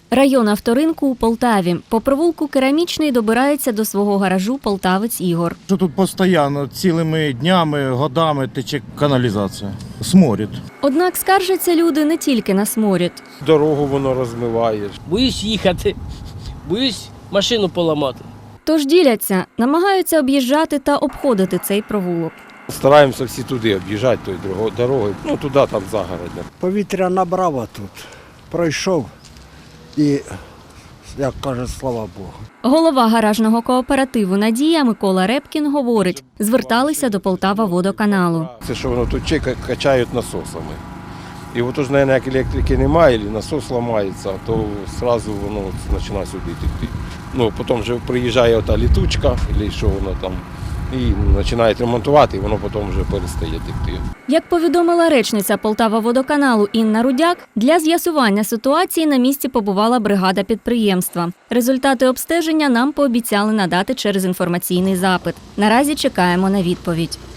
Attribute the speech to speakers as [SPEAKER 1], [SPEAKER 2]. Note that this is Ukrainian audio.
[SPEAKER 1] Район авторинку у Полтаві. По провулку Керамічний добирається до свого гаражу полтавець Ігор.
[SPEAKER 2] Тут постійно, цілими днями, годами тече каналізація. Сморід.
[SPEAKER 1] Однак скаржаться люди не тільки на сморід.
[SPEAKER 3] Дорогу воно розмиває.
[SPEAKER 4] Боюсь їхати, боюсь машину поламати.
[SPEAKER 1] Тож діляться, намагаються об'їжджати та обходити цей провулок.
[SPEAKER 3] Стараємося всі туди об'їжджати тою дорогою, туди, там загородня.
[SPEAKER 5] Повітря набрало тут, пройшов і, як каже, слава Богу.
[SPEAKER 1] Голова гаражного кооперативу «Надія» Микола Репкін говорить, зверталися до Полтава-водоканалу.
[SPEAKER 3] Це що воно тут качають насосами. І от ж, мабуть, як електрики немає, або насос ламається, то одразу воно починає сюди текти. Потім вже приїжджає ота літучка, або що воно там, і починають ремонтувати, і воно потім вже перестає текти.
[SPEAKER 1] Як повідомила речниця Полтава-водоканалу Інна Рудяк, для з'ясування ситуації на місці побувала бригада підприємства. Результати обстеження нам пообіцяли надати через інформаційний запит. Наразі чекаємо на відповідь.